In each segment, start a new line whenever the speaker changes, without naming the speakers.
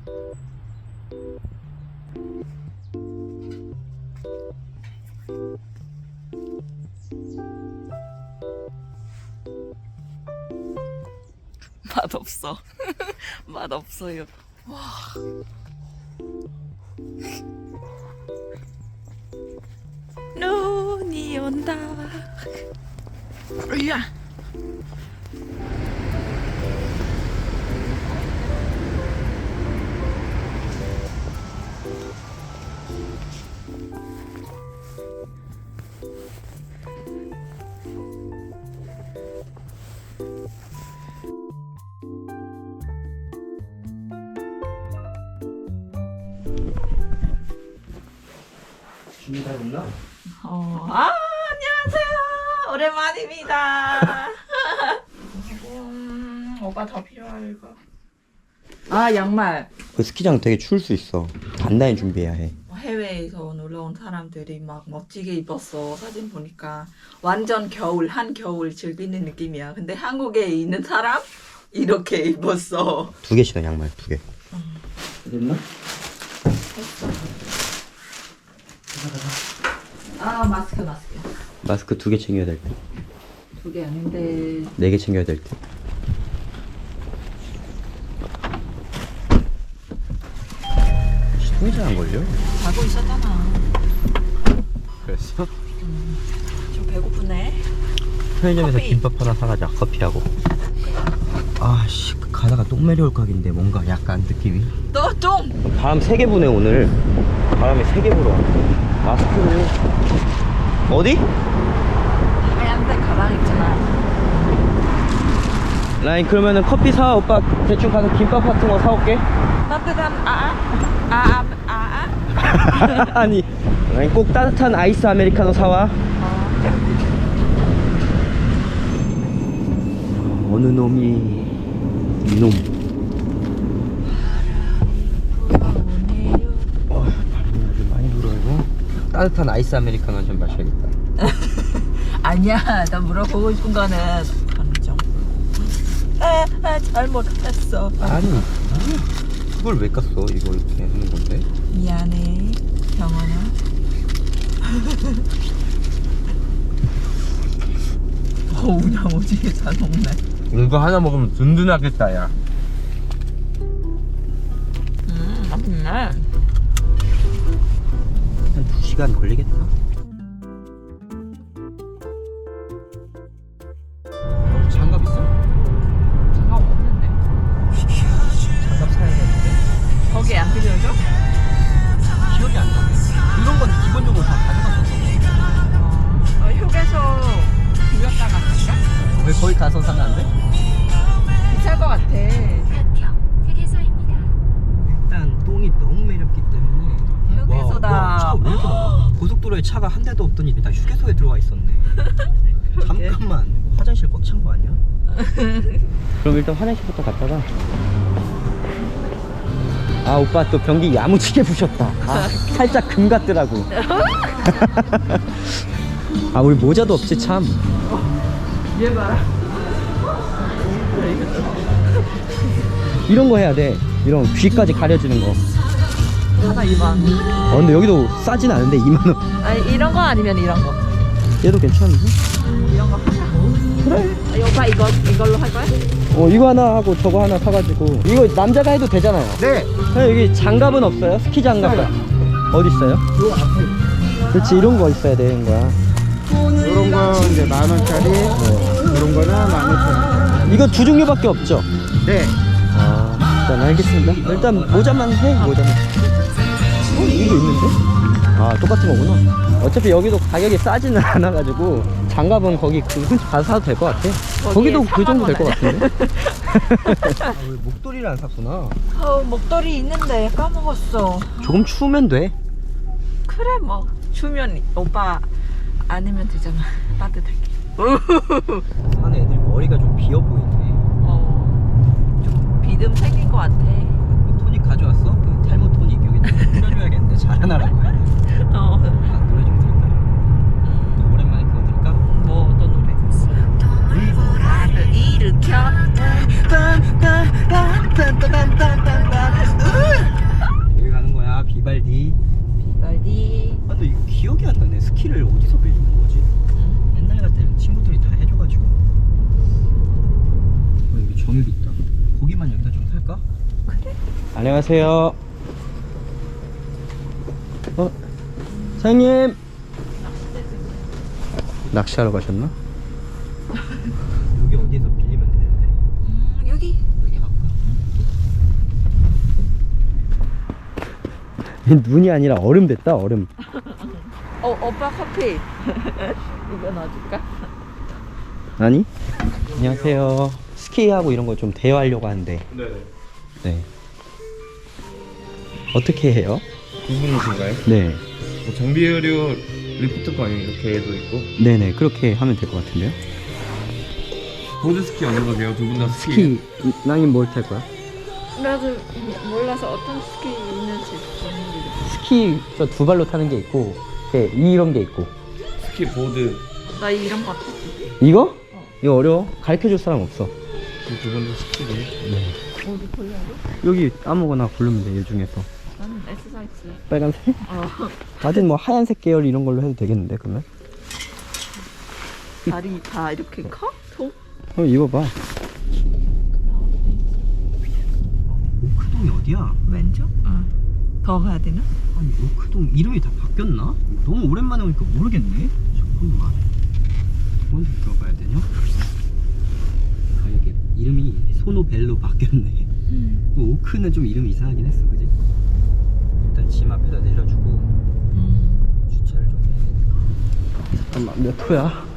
맛없어. 맛없어요. 와. 눈이 온다. 으야.
준비 다 됐나?
안녕하세요. 오랜만입니다. 오빠 더 필요할 거. 양말.
그 스키장 되게 추울 수 있어. 단단히 준비해야 해.
해외에서 놀러 온 사람들이 막 멋지게 입었어. 사진 보니까 완전 겨울, 한겨울 즐기는 느낌이야. 근데 한국에 있는 사람 이렇게 입었어.
2개 신어, 양말 2개. 됐나?
했어. 마스크.
마스크 2개 챙겨야 될 때.
2개 아닌데.
4개 챙겨야 될 때. 시동이 잘 안 걸려?
자고 있었잖아.
그랬어?
좀 배고프네.
편의점에서
커피.
김밥 하나 사가자. 커피하고. 아씨, 가다가 똥매려올 각인데 뭔가 약간 느낌이.
너 좀.
바람 3개 부네 오늘. 바람이 3개 불어. 마스크를 어디?
하얀색 가방 있잖아.
라인 그러면은 커피 사. 오빠 대충 가서 김밥 같은 거 사올게.
따뜻한
아니 라인 꼭 따뜻한 아이스 아메리카노 사와. 어느 놈이 이놈. 바람이 아주 많이 불어요. 따뜻한 아이스 아메리카노 좀 마셔야겠다.
아니야, 나 물어보고 싶은 거는 감정. 잘못했어.
아니 그걸 왜 깠어? 이거 이렇게 하는 건데.
미안해, 병원아. 그냥 오지게 잘 먹네.
이거 하나 먹으면 든든하겠다 야.
맛있네.
한 2시간 걸리겠다. 장갑 있어?
장갑 없는데.
장갑 사야겠는데?
거기 안 필요해줘?
기억이 안 나네. 이런 건 기본적으로 다 가져갔었어.
휴게소 들렸다 갔을까?
왜 거기 가서 사면 안 돼?
비쌀 것 같아.
일단 똥이 너무 매렵기 때문에.
휴게소다.
와, 차가 왜 이렇게 많아? 고속도로에 차가 한 대도 없더니 나 휴게소에 들어와 있었네. 잠깐만, 화장실 꽉 찬 거 아니야? 그럼 일단 화장실부터 갔다가. 오빠 또 변기 야무지게 부셨다. 살짝 금 같더라고. 우리 모자도 없지 참.
얘 봐라.
이런 거 해야 돼. 이런 귀까지 가려주는 거.
하나 2만.
근데 여기도 싸진 않은데 2만 원.
아니 이런 거 아니면 이런 거.
얘도 괜찮은데?
이런 거 하자.
그래.
오빠 이걸로 할 거야?
이거 하나 하고 저거 하나 사가지고. 이거 남자가 해도 되잖아요.
네.
여기 장갑은 없어요? 스키 장갑. 어디 있어요?
요 앞에
그렇지, 이런 거 있어야 되는 거야.
이런 거 이제 10,000원짜리, 이런 거는 15,000원.
이거 2종류밖에 없죠?
네.
일단 알겠습니다. 일단 모자만 해. 모자만. 이거 있는데? 똑같은 거구나. 어차피 여기도 가격이 싸지는 않아가지고 장갑은 거기 그 근처 가서 사도 될 것 같아. 거기도 그 정도 될 것 같은데? 왜 목도리를 안 샀구나.
목도리 있는데 까먹었어.
조금 추우면 돼.
그래 뭐 추면 오빠 아니면 되잖아. 따뜻하게.
사는 애들 머리가 좀 비어 보이네.
좀 비듬 생긴 것 같아.
토닉 가져왔어? 그 탈모 토닉 여기 뿌려줘야겠는데 잘하나라고 해야 돼. 노래 좀 들을까? 또 오랜만에 그거 들을까?
뭐 어떤 노래? 나를 일으켜.
안녕하세요. 사장님. 낚시하러 가셨나? 여기 어디서 빌리면 되는데?
여기
눈이 아니라 얼음 됐다, 얼음.
오빠 커피 이거 넣어줄까?
아니? 안녕하세요. 스키하고 이런 거 좀 대여하려고 하는데.
네네.
네. 어떻게 해요?
궁금하신가요?
네.
뭐 장비 의료 리프트권 이렇게도 있고
네네, 그렇게 하면 될 것 같은데요?
보드 스키 어느 거세요? 두 분 다
스키, 낭님 뭘 탈 거야?
나도 몰라서 어떤 스키 있는지 모르겠어.
스키 저 두 발로 타는 게 있고, 네, 이런 게 있고.
스키 보드
나 이런 거 같아.
이거? 이거 어려워. 가르쳐 줄 사람 없어.
두 분 다 스키를
어디 골라야 돼?
여기 아무거나 고르면 돼, 이 중에서.
나는 엑서사이즈.
빨간색?
어.
나든 뭐 하얀색 계열 이런 걸로 해도 되겠는데, 그러면?
다리 다 이렇게 커? 통?
입어봐. 오크동이 어디야?
왼쪽? 더 가야 되나?
아니, 오크동 이름이 다 바뀌었나? 너무 오랜만에 오니까 모르겠네. 잠깐만. 먼저 들어가야 되냐? 아, 이게 이름이 소노벨로 바뀌었네. 오크는 좀 이름이 이상하긴 했어, 그지? 일단 짐 앞에다 내려주고 주차를 좀 해야 되니까. 잠깐만, 몇 호야?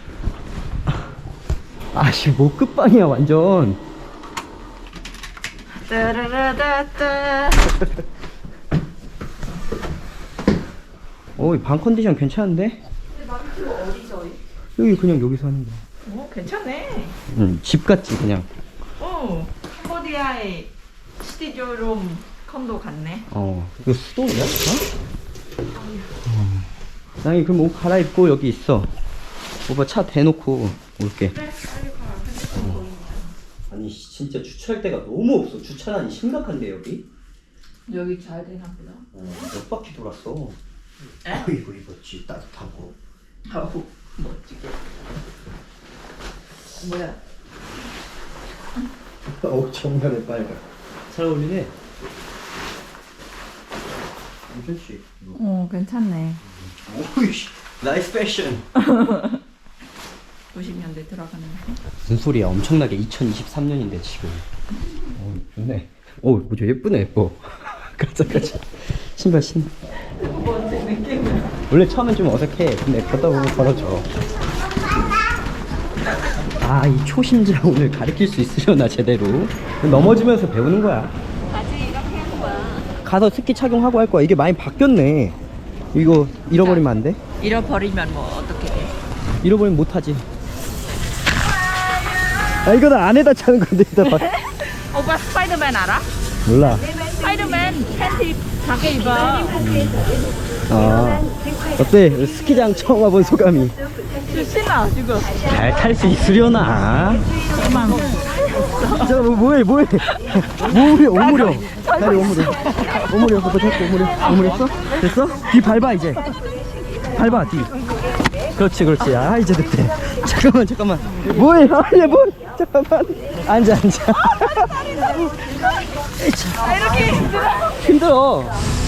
아씨, 뭐 끝방이야 완전.
따라라따따.
오, 방 컨디션 괜찮은데?
남편 어디서?
여기 그냥 여기서 하는 거야.
괜찮네.
집 같지 그냥.
캄보디아의 시티조롬 콘도 같네.
이거 수도냐? 낭이 그럼 옷 갈아입고 여기 있어. 오빠 차 대놓고 올게.
그래, 빨리 가.
아니 진짜 주차할 데가 너무 없어. 주차난이 심각한데 여기?
여기 잘 되나 보다.
몇 바퀴 돌았어.
에?
이거 입었지 따뜻하고.
아우 멋지게. 뭐야?
정면에 빨간. 잘 어울리네. 괜찮지?
괜찮네.
오이씨, 나이스 패션.
90년대 들어가는 거.
무슨 소리야? 엄청나게 2023년인데 지금. 좋네. 뭐죠? 예쁘네, 예뻐. 가자. 신발 신.
뭔지 느낌은.
원래 처음엔 좀 어색해. 근데 걷다 보면 걸어져. 이 초심자 오늘 가르칠 수 있으려나 제대로. 넘어지면서 배우는 거야.
바지 이렇게 하는 거야.
가서 스키 착용하고 할 거야. 이게 많이 바뀌었네. 이거 잃어버리면 안 돼?
잃어버리면 뭐 어떻게 돼?
잃어버리면 못 하지. 이거는 안에다 차는 건데 이따 봐.
오빠 스파이더맨 알아?
몰라.
스파이더맨 팬티 작게 입어.
어때? 스키장 처음 와본 소감이?
신나 지금.
잘 탈 수 있으려나? 잠깐 뭐해 오므려 다리 오므려 오빠 잡고 오므렸어? 됐어? 뒤 밟아 이제 밟아 뒤 그렇지 이제 됐대. 잠깐만 뭐해 얘뭐 잠깐만 앉아
이렇게
힘들어.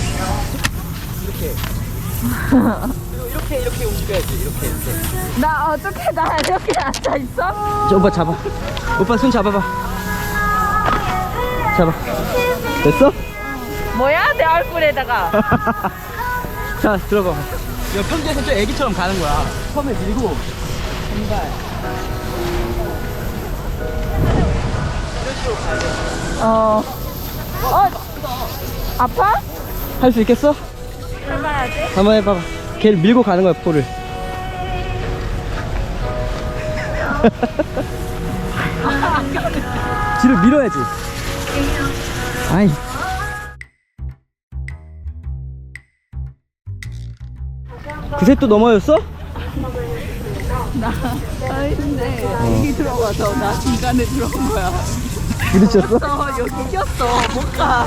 이렇게 움직여야지. 이렇게. 나 어떻게 나 이렇게 앉아 있어?
오빠 잡아. 오빠 손 잡아봐. 됐어?
뭐야 내 얼굴에다가.
자 들어가. 이거 평지에서 좀 애기처럼 가는 거야. 처음에 밀고 신발.
아파?
할 수 있겠어?
해봐야지.
한번 해봐봐. 걔를 밀고 가는 거야 포를. 뒤로 밀어야지. 아이. 그새 또 넘어졌어?
근데 여기 들어가서 나 중간에 들어온 거야.
부딪혔어?
여기 꼈어. 못 가.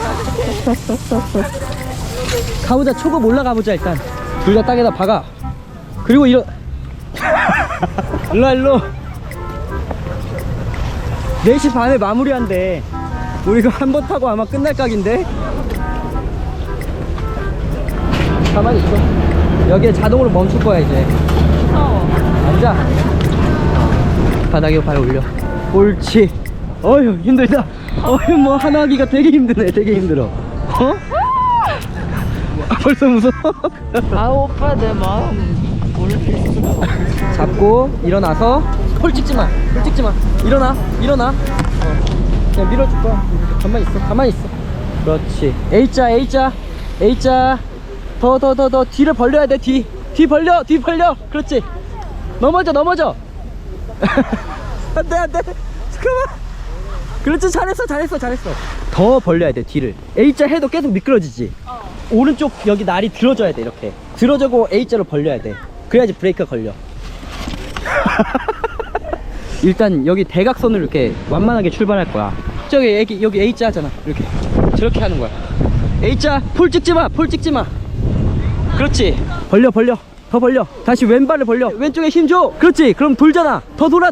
가보자. 초급 올라가보자 일단. 둘 다 땅에다 박아. 그리고 일로 일로 4시 반에 마무리한대. 우리가 한 번 타고 아마 끝날 각인데. 가만히 있어. 여기에 자동으로 멈출 거야 이제.
무서워.
앉아. 바닥에 발 올려. 옳지. 어휴 힘들다. 어휴 뭐 하나 하기가 되게 힘드네. 되게 힘들어. 어? 벌써 무서워.
아 오빠 내 마음 모를 수가 없어.
잡고 일어나서 폴 찍지마. 폴 찍지마. 일어나. 그냥 밀어줄 거야. 가만히 있어. 가만히 있어. 그렇지. A자. 더 뒤를 벌려야 돼. 뒤 벌려. 그렇지. 넘어져. 안돼. 잠깐만. 그렇지. 잘했어. 더 벌려야 돼. 뒤를. A자 해도 계속 미끄러지지. 오른쪽 여기 날이 들어줘야 돼. 이렇게 들어주고 A자로 벌려야 돼. 그래야지 브레이크가 걸려. 일단 여기 대각선으로 이렇게 완만하게 출발할 거야. 여기 A자 하잖아. 이렇게 저렇게 하는 거야. A자 폴 찍지마. 그렇지. 벌려. 더 벌려. 다시 왼발을 벌려. 왼쪽에 힘줘. 그렇지. 그럼 돌잖아. 더 돌아.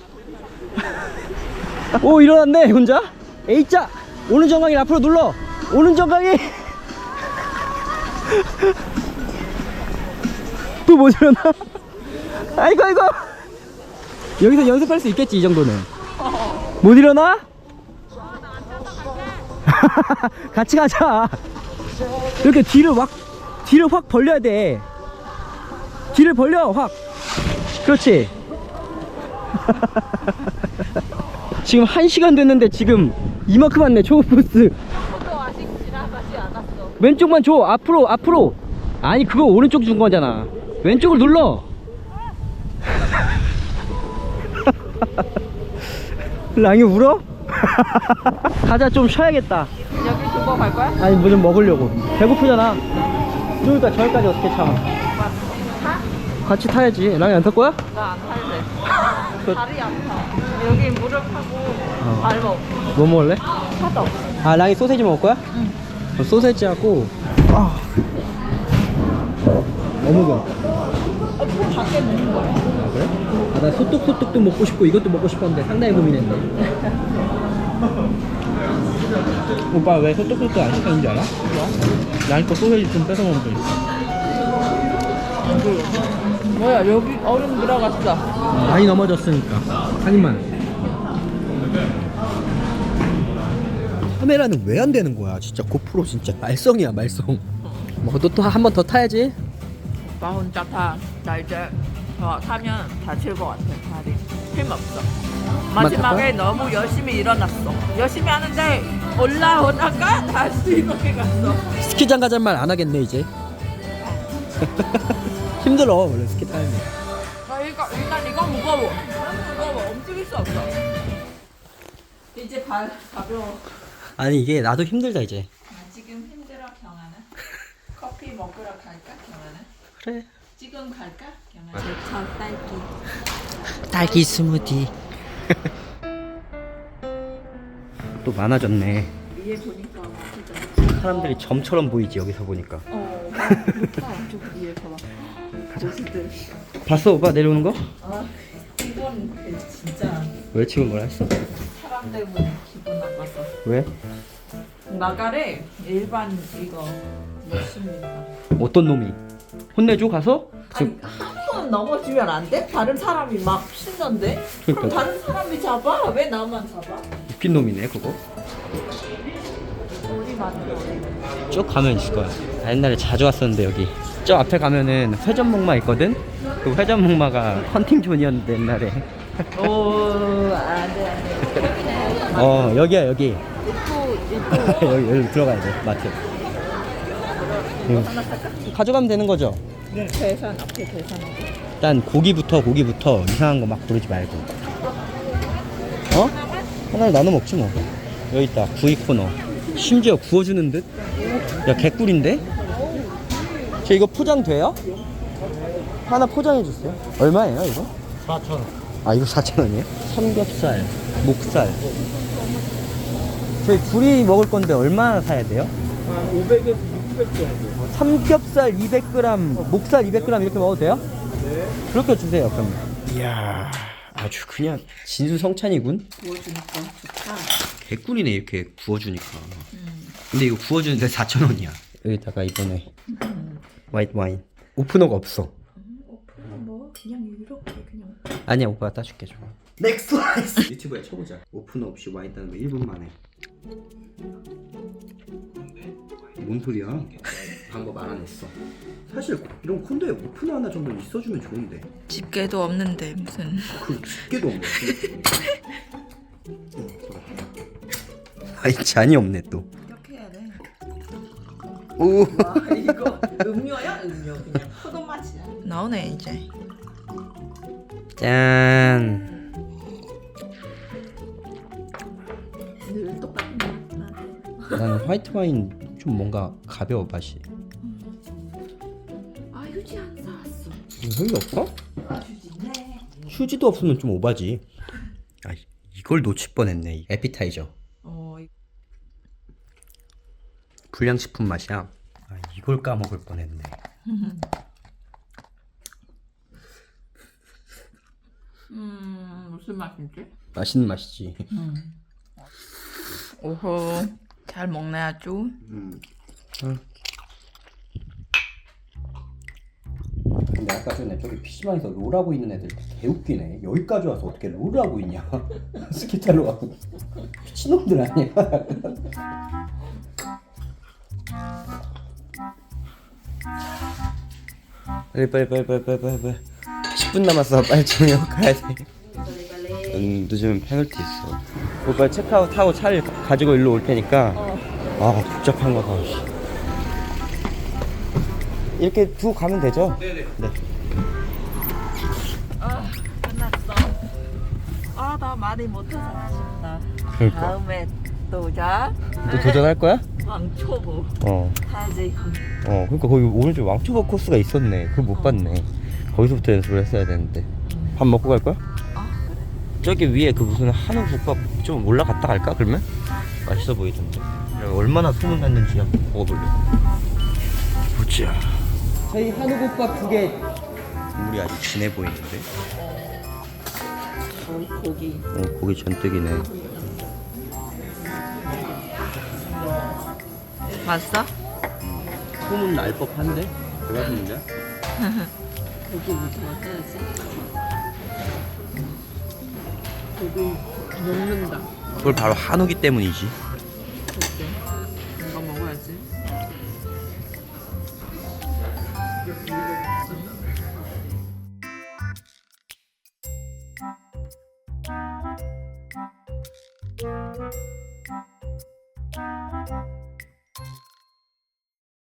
오 일어났네 혼자. A자 오른 정강이 앞으로 눌러. 오른 정강이 또 못 일어나. 아이고 여기서 연습할 수 있겠지. 이 정도는 못 일어나? 같이 가자. 이렇게 뒤를 확 벌려야 돼. 뒤를 벌려 확. 그렇지. 지금 1시간 됐는데 지금 이만큼 왔네. 초코푸스
저도 아직 지나가지 않았어.
왼쪽만 줘. 앞으로. 아니 그거 오른쪽 준 거잖아. 왼쪽을 눌러. 랑이 울어? 가자. 좀 쉬어야겠다.
여기 두고 갈 거야?
아니 뭐 좀 먹으려고. 배고프잖아. 그러니까 저기까지 어떻게 차? 같이 타야지. 랑이 안 탈 거야?
나 안 탈래. 다리 아파. 여기 무릎하고 발목.
뭐 먹을래?
차도.
아 랑이 소세지 먹을 거야? 응. 소세지하고 어묵은?
그 밖에 먹는 거야.
아 그래? 아 나 소떡소떡도 먹고 싶고 이것도 먹고 싶었는데 상당히 고민했네. 오빠 왜 소떡소떡 안 시켰는지 알아? 랑이 거 소세지 좀 뺏어 먹으면 돼.
뭐야 여기 얼음 들어갔어.
많이 넘어졌으니까 한 입만. 카메라는 왜 안 되는 거야? 진짜 고프로 진짜 말썽이야 말썽. 뭐 또 한 번 더 타야지.
나 혼자 타. 나 이제 타면 다칠 것 같아. 다리 힘없어. 마지막에 너무 열심히 일어났어. 열심히 하는데 올라오다가 다시 이렇게 갔어.
스키장 가자는 말 안 하겠네 이제. 힘들어 원래 스키 타면.
일단 이거 무거워. 움직일 수 없어. 이제 발 가벼워.
아니 이게 나도 힘들다 이제.
지금 힘들어 경아는. 커피 먹으러 갈까 경아는?
그래.
지금 갈까 경아? 제철 딸기.
딸기 스무디. 또 많아졌네.
위에 보니까 진짜.
사람들이 점처럼 보이지 여기서 보니까.
높아. 좀 위에 봐봐. 고수들.
봤어 오빠 내려오는 거?
아 이건 진짜
왜 지금 뭐라 했어?
사람 때문에 기분 나빴어.
왜?
나가래 일반 이거 몇십니까?
어떤 놈이? 혼내줘 가서?
아니 한 번 넘어지면 안 돼? 다른 사람이 막 신던데? 그럼
그러니까.
다른 사람이 잡아? 왜 나만 잡아?
웃긴 놈이네 그거.
우리 맞는
쭉 가면 있을 거야. 나 옛날에 자주 왔었는데 여기 저 앞에 가면은 회전목마 있거든? 그 회전목마가 헌팅존이었는데 옛날에.
오 안돼
여기야 여기.
예쁘
여기 들어가야 돼 마트. 응. 가져가면 되는 거죠?
계산 앞에 계산.
일단 고기부터 이상한 거 막 부르지 말고. 하나를 나눠 먹지 뭐. 여기 있다 구이 코너. 심지어 구워주는 듯? 야 개꿀인데? 저 이거 포장 돼요? 하나 포장해 주세요. 얼마예요 이거?
4,000원.
아 이거 4,000원이에요? 삼겹살, 목살. 저희 둘이 먹을 건데 얼마나 사야 돼요?
500에서 600 정도.
삼겹살 200g, 목살 200g 이렇게 먹어도 돼요? 네. 그렇게 주세요 그러면.
이야,
아주 그냥 진수성찬이군.
구워주니까 좋다.
개꿀이네 이렇게 구워주니까. 근데 이거 구워주는데 4,000원이야. 여기다가 이번에 화이트 와인. 오프너가 없어.
오프는 뭐 그냥 이렇게 그냥.
아니야 오빠가 따줄게 줘. 넥스트 라이스. 유튜브에 쳐보자. 오프너 없이 와인 따는 거 1분 만에. 뭔 소리야? 방법 알아냈어. 사실 이런 콘도에 오프너 하나 정도 있어주면 좋은데.
집게도 없는데 무슨.
그 집게도 없네. 아이 잔이 없네 또.
이렇게 해야 돼.
오.
와 이거 음료야 음료 그냥 포도 맛이야. 나오네 이제.
짠.
늘 똑같은 맛.
나는 화이트 와인 좀 뭔가 가벼워 맛이.
아 휴지 안 사왔어.
형이 없어?
아 휴지네.
휴지도 없으면 좀 오바지. 아 이걸 놓칠 뻔했네. 에피타이저. 불량식품 맛이야. 아 이걸 까먹을 뻔했네.
무슨 맛인지?
맛있는 맛이지.
오호 잘 먹네 아주.
근데 아까 전에 저기 PC방에서 롤하고 있는 애들 개웃기네. 여기까지 와서 어떻게 롤을 하고 있냐. 스키탈로 가고. 미친놈들 아니야. 빨리 10분 남았어. 빨리 정형 가야 돼. 늦으면 페널티 있어. 오빠 체크아웃 하고 차를 가지고 일로 올 테니까. 아 복잡한가 봐. 이렇게 두고 가면 되죠? 네네. 네.
아 끝났어. 아 나 많이 못해서 아쉽다.
그러니까.
다음에 또 오자.
또 도전할 거야?
왕초보
어.
가야지.
그러니까 거기 오른쪽 왕초보 코스가 있었네. 그걸 못 봤네. 거기서부터 연습을 했어야 되는데. 밥 먹고 갈 거야?
아 그래.
저기 위에 그 무슨 한우 국밥 좀 올라갔다 갈까 그러면? 맛있어 보이던데. 얼마나 소문났는지 한번 먹어볼래. 보자. 저희 한우 국밥 2개. 국물이 아주 진해 보이는데.
고기.
고기 전뜩이네.
맛있어?
소문 날 법한데? 대박인데?
고기부터 먹어야지. 고기 녹는다.
그걸 바로 한우기 때문이지.
그치? 이거 먹어야지.